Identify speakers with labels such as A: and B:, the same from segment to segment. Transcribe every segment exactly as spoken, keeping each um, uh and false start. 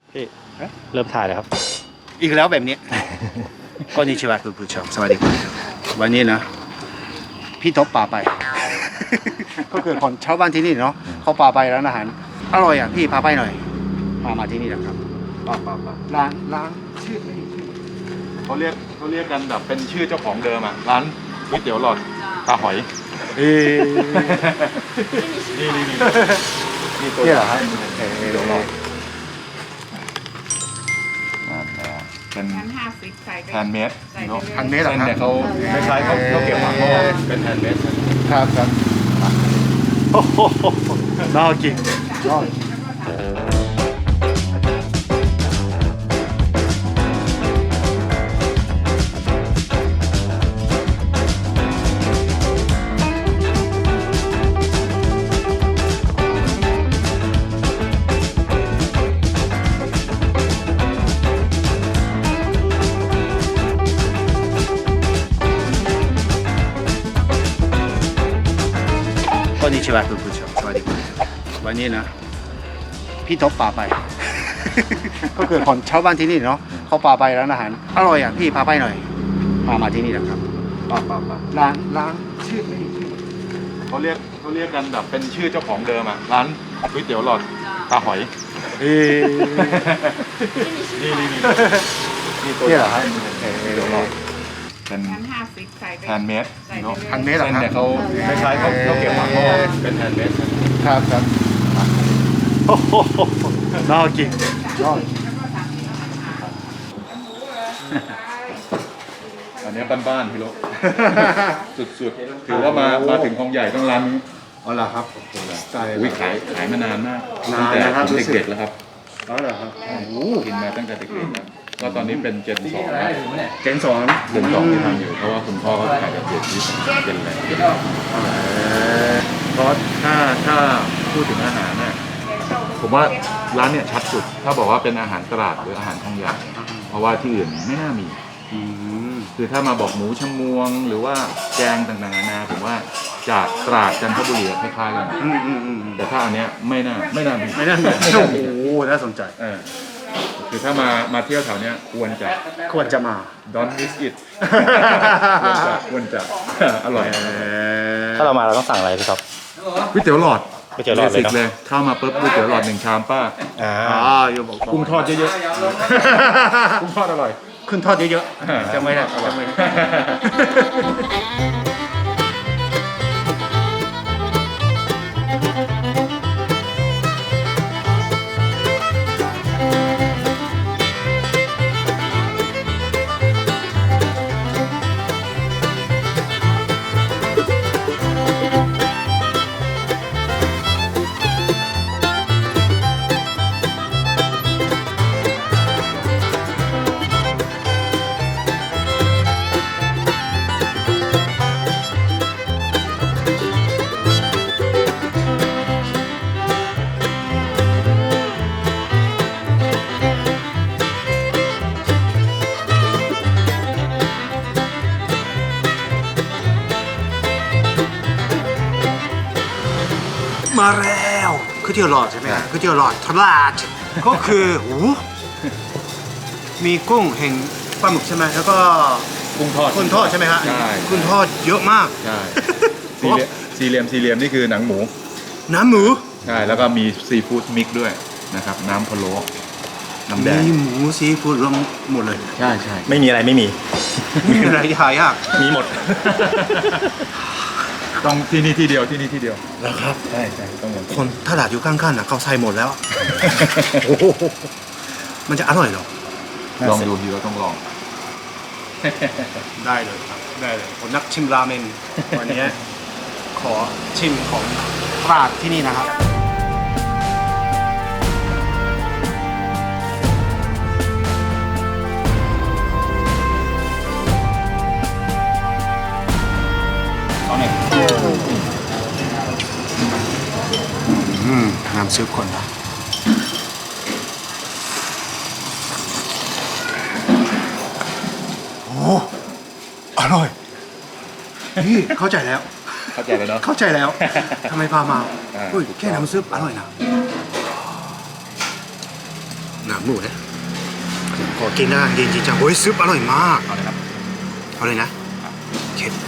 A: พี่เริ่มถ่ายแล้วครับ
B: อีกแล้วแบบนี้ ก็นิชิวะคุณผู้ชมสวัสดีครับวันนี้นะพี่ทบป่าไป ก็คือคนชาวบ้านที่นี่เนาะเขาป่าไปร้านอาหารอร่อยอ่ะพี่พาไปหน่อยพามาที่นี่นะครับป่าป่าป่าร้านร้านชื่อไม่ชื่อ
C: เขาเรียกเขาเรียกกันแบบเป็นชื่อเจ้าของเดิมอ่ะร้านก๋วยเตี๋ยวหลอดตาหอย
B: เอ๊ะ
C: นี่นี่นี่นี่ตัว
B: นี่เหรอครับ
C: เออเดี๋ยวรอเป็น
D: ชั้นห้าสิบใส่ไป
C: แฮนด์เมด
D: ใส่ไป
C: เนาะ
D: เลย
B: ทางนี้เหรอ
C: เส้น
B: ครับ
C: เนี่ยเขาคล้ายๆเขาเขาเก็บหมักหม้อเป็นแฮนด์เมด
B: ครับครับโอ้โหน่ากินน่ากินこんにちはคุณผู้ชมสวัสดีครับวันนี้นะพี่ทบป่าไป ก็คือคนชาวบ้านที่นี่เนาะเขาป่าไปร้านอาหารอร่อยอ่ะพี่พาไปหน่อยพามาที่นี่นะครับป่าป่าป่าร้านร้านชื่อไม่ชื่อ
C: เขาเรียกเขาเรียกกันแบบเป็นชื่อเจ้าของเดิมอ่ะร้านก๋วยเตี๋ยวหลอดตาหอย
B: เอ๊ะ
C: นี่นี่นี่นี่ตัว
B: นี่เหรอครับ
C: เออเดี๋ยวรอเป็น
D: ชั้นห้าสิบใส่ไป
C: แฮนด์เมด
D: ใส่ไป
C: เนาะ
D: เลย
B: ทางนี้เหรอ
C: เส้น
B: ครับ
C: เนี่ยเขาคล้ายๆเขาเขาเก็บหมักหม้อเป็นแฮนด์เมด
B: ครับครับโอ้โหน่ากินน่ากิน
C: อันนี้บ้านๆพี่โล สุดๆถือว่ามามาถึงคลองใหญ่ต้องร้านนี้
B: อ๋อเหรอครับใช่
C: อุ้ยขายขายมานานมาก
B: นาน
C: ตั้งแต่
B: นะครับ
C: ผม
B: รู้สึก
C: เด็กๆแล้วครับ
B: อ๋อเหรอครับโอ้โห
C: กินมาตั้งแต่เด็กๆแล้วก็ตอนนี้เป็นเจนสองแล้ว
B: เจนสอง
C: เจนสองที่ทำอยู่เพราะว่าคุณพ่อก็ขายกับเจนที่เจนแรกเพราะถ้าถ้าพูดถึงอาหารน่ะผมว่าร้านเนี่ยชัดสุด ถ้าบอกว่าเป็นอาหารตลาดหรืออาหารคลองใหญ่เพราะว่าที่อื่นไม่น่ามี
B: อืม
C: คือถ้ามาบอกหมูชะมวง หรือว่าแกงต่างๆนานาผมว่าจากตราดจันทบุรีคล้ายๆกัน
B: อืมอืมอืม
C: แต่ถ้าอันเนี้ยไม่น่าไม่น่ามี
B: ไม่น่าเหมือน
C: ไม่
B: โอ้
C: น่า
B: โห
C: มี
B: น่าสนใจ
C: เออคือถ้ามามาเที่ยวแถวเนี้ยควรจะ
B: ควรจะมา
C: don't miss it ควรจะควรจะ อร่อย
A: ถ้าเรามาเราต้องสั่งอะไรพี่ท็อป
C: ก๋วยเตี๋ยวหลอด
A: ก๋วยเตี๋ยวหลอดเลยเนอะ
C: บสิกเลยเข้ามาปุ๊บก๋วยเตี๋ยวหลอดหนึ่งชามป้า
A: อ่า
B: อ๋ออยู่บอก
C: กุ้งทอดเยอะๆกุ้งทอดอร่อย
B: ขึ้นทอดเยอะๆจะไม่ได้จะไม่ได้ มาแล้วก๋วยเตี๋ยวหลอดใช่ไหมครับก๋วยเตี๋ยวหลอดตลาดก็คือโอ้โหมีกุ้งแห่งปลาหมึกใช่ไหมแล้วก็
C: กุ้งทอด
B: กุ้งทอดใช่ไหมฮะ
C: ใช่
B: กุ้งทอดเยอะมาก
C: ใช่สี่เหลี่ยมสี่เหลี่ยมสี่เหลี่ยมนี่คือหนังหมู
B: น้ำหมู
C: ใช่แล้วก็มีซีฟู้ดมิกซ์ด้วยนะครับน้ำพะโล้น้ำแดง
B: มีหมูซีฟู้ดรวมหมดเลย
C: ใช่ใช่
A: ไม่มีอะไรไม่มี
B: มีอะไรหายาก
A: มีหมด
C: ต้องที่นี่ที่เดียวที่นี่ที่เดียว
B: แล้วครับ
C: ใช่ใช่ต้องหมด
B: คนตลาดอยู่ข้างๆนะเขาใส่หมดแล้วโอ้โหมันจะอร่อยเหรอ
C: ลองดูทีเราต้องลอง
B: ได้เลยครับได้เลยผมนักชิมราเมนวันนี้ขอชิมของตราดที่นี่นะครับเอาเนี่ยอืมน้ำซุปคนนะโอ้อร่อยนี่เข้าใจแล้ว
C: เข้าใจเลยเนาะ
B: เข้าใจแล้วทำไมพามา
C: อ่า
B: อุ้ยแค่น้ำซุปอร่อยนะน้นังหมูนะขอกินนะเย็นจริงจังโอ้ยซุปอร่อยมาก
C: เอาเลยครับ
B: เอาเลยนะเข็ด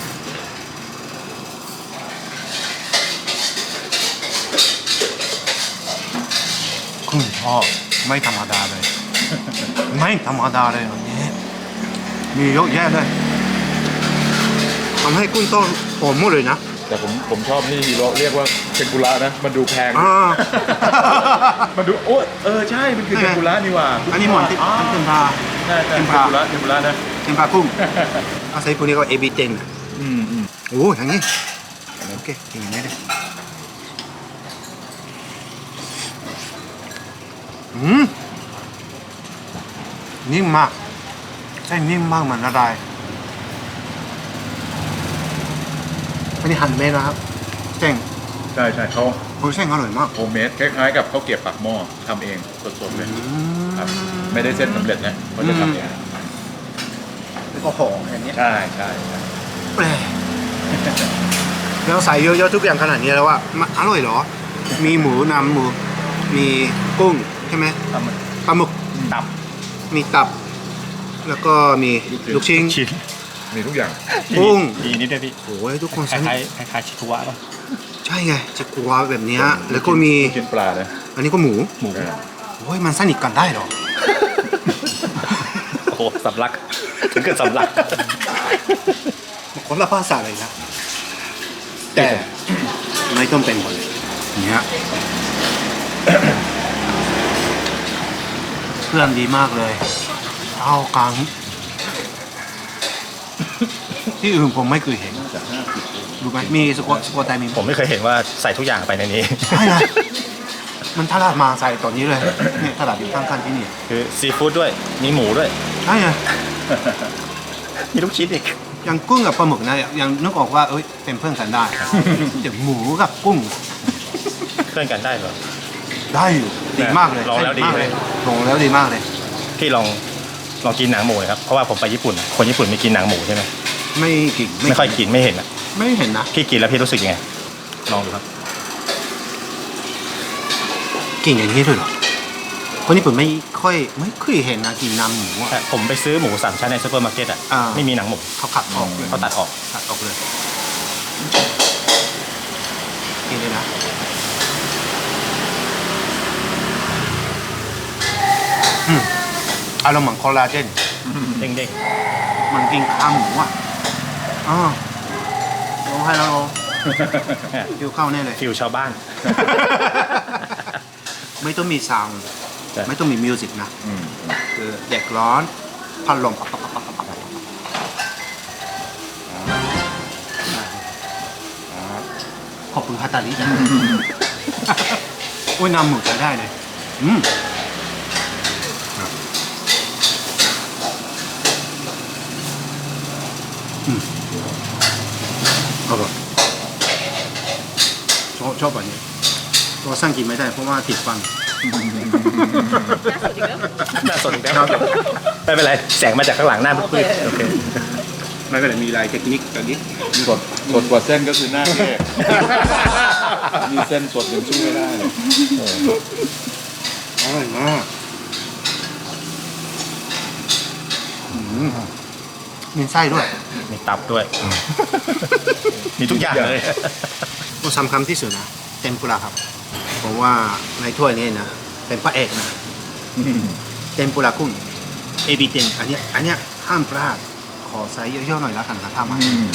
B: คุณพ่อไม่ธรรมดาเลย ไม่ธรรมดาเลยอันนี้มีเยอะแยะเลยทำให้กุ้งต้มหอมหมดเลยนะ
C: แต่ผมผมชอบที่ฮีโร่เรียกว่าเทมปุระนะมันดูแพง
B: อ่า
C: มันดูโอ้เออใช่มันคือเทมปุระนี่หว่า
B: อันนี้หมอนที่
C: อ๋อ
B: เทมปลา
C: ใช่ใช่
B: เท
C: เท
B: ม
C: ม
B: ปุ
C: ปุ
B: ระ
C: ระเทมปุระนะ
B: เทมปลากุ้งอาศัยพวกนี้ก็เอบีเต็ง
C: อืมอืม
B: โอ้อย่างนี้โอเคกินอย่างนี้เลยอืมนิ่มมากใช่นิ่มมากเหมือนอะไรอันนี้หั่นเม็ดนะครับเส้น
C: ใช่ใช่เขา
B: โอ้ยเส้นอร่อยมาก
C: โฮมเมดคล้ายๆกับข้าวเกรี๊ยวปากหม้อทำเองสดๆเลยครับไม่ได้เส้นสำเร็จนะเขาจะทำเอง
B: แล้วก็หอมอย่างนี้
C: ใช่ใช่ใช่
B: แปลกแล้วใส่เยอะๆทุกอย่างขนาดนี้แล้วว่ามันอร่อยเหรอ มีหมูนำหมูมีกุ้งใช่ไหม
A: ทำมัน
B: ปลาหมึก
A: ตับ
B: มีตับ แล้วก็มีลูกชิ้น
A: ชิ้น
C: มีทุกอย่าง
B: กุ้ง
A: ดีนิดเดียวพี่
B: โอ้ยทุกคน
A: คล้ายๆคล้ายๆชิคุวะป่ะ
B: ใช่ไงจะกลัวแบบเนี้ยแล้วก็มี
C: กินปลานะ
B: อันนี้ก็หมู
A: หมู
B: โอ้ยมันสนิทกันได้เหรอ
A: โอ้โหสำลักถึงกับสำลัก
B: คนละภาษาเลยนะ แต่ไม่ต้องเป็นคนเนี้ยเพื่อนดีมากเลยเอากังที่อื่นผมไม่เคยเห็นรู้ไหมมีสกอตสกอตไตมี
A: ผมไม่เคยเห็นว่าใส่ทุกอย่างไปในนี้
B: ใช่นะมันตลาดมาใส่ตอนนี้เลยเนี่ยตลาดอยู่ข้างๆที่นี่
A: คือซีฟู้ดด้วย มีหมูด้วย
B: ใช่ไง
A: มีลูกชิ้นอีก
B: ยังกุ้งกับปลาหมึกนะยังนึกออกว่าเอ้ยเป็นเพื่อนกันได้แต่หมูกับกุ้ง
A: เพื่อนกันได้เหรอ
B: ได้อยู่ดีมากเลย
A: ลองแล้วดี
B: มากเลยลองแล้วดีมากเลย
A: พี่ลองลองกินหนังหมูหน่อยครับ เพราะว่าผมไปญี่ปุ่น คนญี่ปุ่นไม่กินหนังหมูใช่ไหม
B: ไม่กิน
A: ไม่ค่อยกินไม่เห็นอ่ะ
B: ไม่เห็นนะ
A: พี่กินแล้วพี่รู้สึกยังไง ลองดูครับ
B: กินอย่างนี้ด้วยเหรอคนญี่ปุ่นไม่ค่อยไม่เคยเห็นนะกินน้ำหมูอ่ะ
A: แต่ผมไปซื้อหมูสามชั้นในซูเปอร์มาร์เก็ตอ่ะ
B: อ่า
A: ไม่มีหนังหมู
B: เขาขัดออกเลย
A: เขาตัดออก
B: ขัดออกเลยกินเลยนะอืมอารมณ์เหมือนคอลลาเจน
A: เด้ง
B: มันกินข้าวหมูอ่ะอ๋อลงให้แล้วลง
A: ๆ
B: ฟิวเข้าแน่เลย
A: ฟิวชาวบ้าน
B: ไม่ต้องมีซาวด์
A: ใช่
B: ไม่ต้องมีมิวสิกนะ
C: อืม
B: คือเด็กร้อนพัดลมขอบคุณฮาตาลิโอ้ยน้ำหมึกจะได้เลยอืมอืมอร่อยชอบชอบแบบนี้ตัวสั่งกินไม่ได้เพราะว่าติดฟัน
A: น่าสนอีกแล้วไม่เป็นไร แสงมาจากข้างหลังหน้ามืดๆโอเค
B: ไม่เป็นไรมีลายเทคนิคตัวนี้
C: สดสดกว่าเส้นก็คือหน้าแก้มีเส้นสดยังสู้ไม่ได้เลย
B: อร่อยมากอืมมีไส้ด้วย
A: มีตับด้วย มีทุกอย่างเลย
B: ต้องสำคัญที่สุดนะเทมปุระครับเพราะว่าในถ้วยนี้นะเป็นพระเอกนะเทมปุระกุ้งเอบิเทนอันเนี้ยอันเนี้ยห้ามพลาดขอไซส์เยอะๆหน่อยแล้วกันนะถ้ามา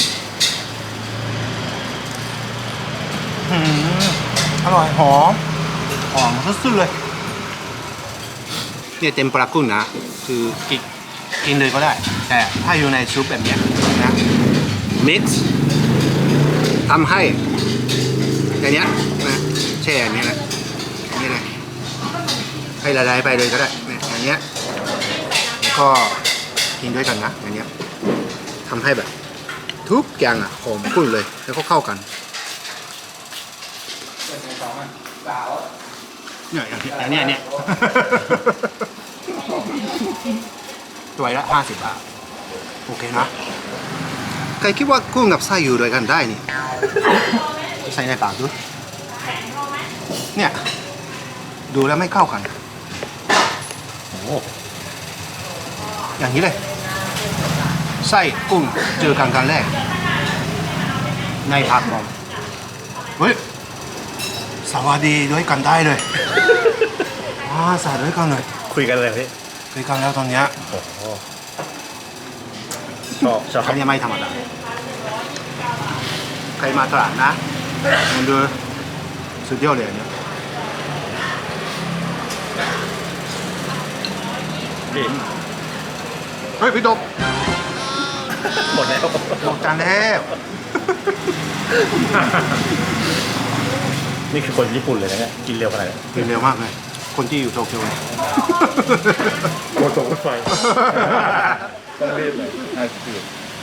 B: อืมอร่อยหอมหอมสุดๆเลยเนี่ยเทมปุระกุ้งนะคือกินกินเลยก็ได้ แต่ถ้าอยู่ในซุปแบบเนี้ยนะมิกซ์ทำให้อย่างเนี้ยนะแช่อย่างเนี้ยแหละอย่างนี้เลยให้ละลายไปเลยก็ได้เนี่ยอย่างเงี้ยแล้วก็กินด้วยกันนะอย่างเงี้ยทำให้แบบทุกอย่างอ่ะหอมกุ้งเลยแล้วก็เข้ากันเนี่ยอย่างเนี้ยอย่างเนี้ยตัวละห้าสิบบาทโอเคนะใครคิดว่ากุ้งกับไส้อยู่ด้วยกันได้นี่ใส่ในปากดูเนี่ยดูแล้วไม่เข้ากันอย่างนี้เลยไส้กุ้งเจอกันครั้งแรกในผักผมเฮ้ยสวัสดีด้วยกันได้เลยว้าสาด้วยกันเลย
A: คุยกันเลยพี่
B: คุยกันแล้วตอนเนี้ย
A: โอ้โหชอบชอบ
B: อันนี้ไม่ธรรมดาใครมาตลาดนะมันดูสุดยอดเลยอันเนี้ย
A: พี่
B: เฮ้ยพี่ดบ
A: หมดแล้ว
B: หมดจานแล้ว
A: นี่คือคนญี่ปุ่นเลยนะเนี่ยกินเร็วขนาดนี้
B: กินเร็วมากเลยคนที่อยู่โตเกียวเลย
C: โคตรรถไฟต้องรีบเลยห้าสิบปี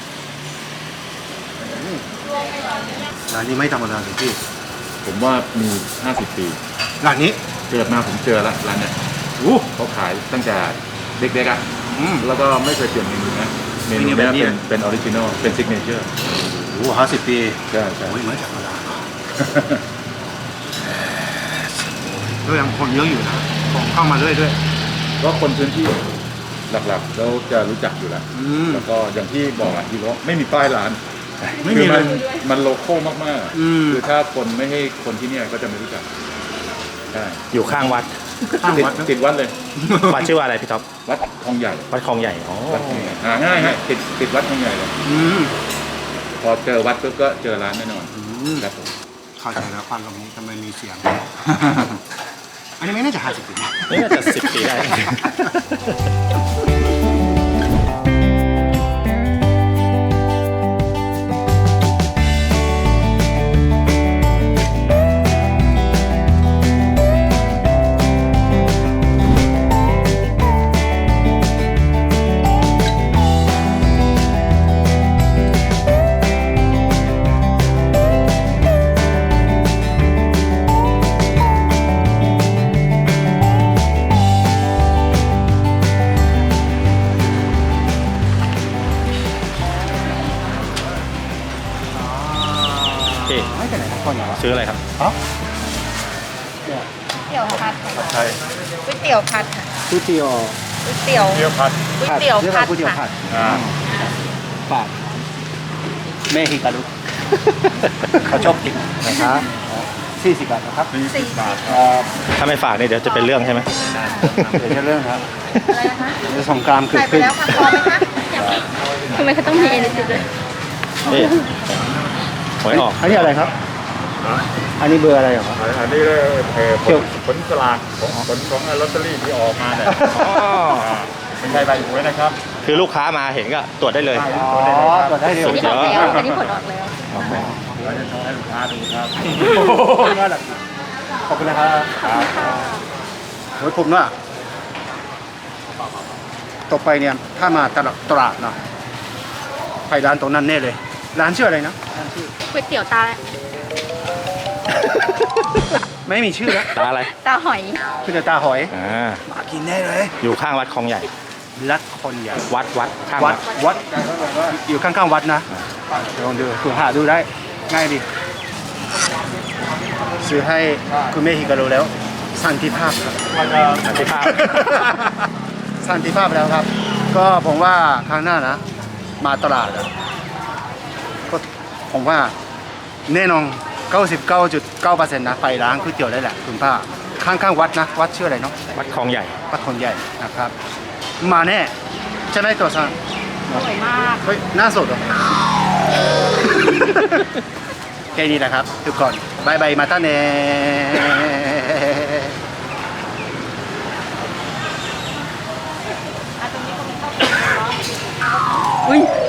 B: ร้านนี้ไม่ธรรมดาเลยพี่
C: ผมว่ามีห้าสิบปี
B: ร้านนี้
C: เกิดมาผมเจอแล้วร้านเนี้ย
B: อู้
C: เขาขายตั้งแต่เด็กๆอ่ะ
B: อืม
C: แล้วก็ไม่เคยเปลี่ยนเมนูนะเมนู
B: เมนู
C: เนี้
B: แบบนี้
C: เป็นเป็นออริจินอลเป็นซิกเนเจอร์
B: โอ้ห้าสิบปี
C: ใช่ใช่
B: โอ้ยไม่ธรรมดาแล้วยังคนเยอะอยู่นะของเข้ามาเรื่อยด้วย
C: ก็คนพื้นที่หลักๆแล้วจะรู้จักอยู่แล้ว
B: อืม
C: แล้วก็อย่างที่บอกอ่ะที่ว่าไม่มีป้ายร้าน
B: ไม่มี
C: คือ
B: เล
C: มั
B: ย
C: นมันโลโก้มาก
B: อืม
C: ๆคือถ้าคนไม่ให้คนที่เนี่ยก็จะไม่รู้จักใช่
A: อยู่ข้างวัด
B: ข้าง
C: ติด
B: วัดนะ
C: ติดวัดเลย
A: วัดชื่อว่าอะไรพี่ท็อป
C: วัดคลองใหญ่
A: วัดคลองใหญ่อ๋อ
C: วัดคลองใหญ่หาง่ายฮะติดติดวัดคลองใหญ่เลย
B: อืม
C: พอเจอวัดปุ๊บก็เจอร้านแน่นอน
B: อืม
C: ครับผม
B: เข้าใจแล้วควันตรงนี้ทำไมมีเสียง อันนี้ไม่น่าจะห้าสิบปีนะ
A: นี่น่าจะสิบปีได้ พี่
B: ไม่เป็นไรนะคนเหรอ
A: ซื้ออะไรครับ
B: อ๋อ
D: เตี๋ยวผัดค่ะ
C: ใช่
D: ก๋วยเตี๋ยวผัดค่ะ
B: ก๋วยเตี๋ยว
D: ก๋วยเตี๋ยว
C: เที่ยวพัด
D: ก๋วยเตี๋ยว
B: เรียก
D: ผั
B: ว่า
D: ด
B: ก๋วยเตี๋ยวผั
D: ค่ะ
B: ด
C: อ่า
B: ปากเมฮิการุเขาชอบกินนะครับสี่สิบบาทนะครับ
D: สี่สิบ
B: เอ่อ
A: ถ้าไม่ฝากเนี่ยเดี๋ยวจะเป็นเรื่องใช่ไหม
B: เดี๋ยวจะเรื่องครับ
D: อะไรนะคะ
B: เดี๋ยวสงกรามเกิด
D: ใส่ไป
B: ขึ้น
D: แล้วค่ะพอไหมคะทำไมเขาต้องมีเอเนจีด้วย
A: นี่หวยออก
B: อันนี้อะไรครับ อันนี้เบอร์อะไรเหรอครับ
C: อันนี้เลยเออผ
B: เที่ยว
C: ลผลสลากของผลของลอตเตอรี่ที่ออกมาเนี่ย
A: อ๋อ
C: อ่าไม่ใช่ใบหวยนะครับ
A: คือลูกค้ามาเห็นก็ตรวจได้เลย
B: อ๋อตรวจได้เร็ว
D: อันนี้ออกแล้วอันนี้ผลออกแล้ว
C: เราจะโชว์ให้ลูกค้าดูครับ
B: โอ้โหน่ารักขอบคุณนะครับโอ้ยผมว่าต่อไปเนี่ยถ้ามาตลาดตลาดเนาะไปร้านตรงนั้นแน่เลย ร้านชื่ออะไรนะร้านชื่อ
D: ก๋วยเตี๋ยวตา
B: ไม่มีชื่อแล้ว
A: ตาอะไร
D: ตาหอย
B: คือเดี๋ยวตาหอย
A: อ่า
B: มากินแน่เลย
A: อยู่ข้างวัดคลองใหญ่
B: รัดคนใหญ่
A: วัดวัดข้าง
B: วั
A: วั
B: ด
A: ด
B: วัดอยู่ข้างๆวัดนะลองดูคุณหาดูได้ง่ายดีซื้อให้คุณเมฮิการุแล้วสันติภาพครับ
A: สันติภาพ
B: สันติภาพแล้วครับ ก็ผมว่าครั้งหน้านะ มาตลาดอะก็ผมว่าแน่นอน เก้าสิบเก้าจุดเก้าเปอร์เซ็นต์ นะไปร้านก๋วยเตี๋ยวได้แหละคุณป้าข้างๆวัดนะวัดชื่ออะไรเนาะ
A: วัดคลองใหญ่
B: วัดคนใหญ่นะครับ มาแน่ใช่ไหมตัวซัน
D: อร่อยมาก
B: เฮ้ยหน้าสดเหรอ แค่นี้แหละครับทุกคนบายบายมาต้าเน่อุ้ย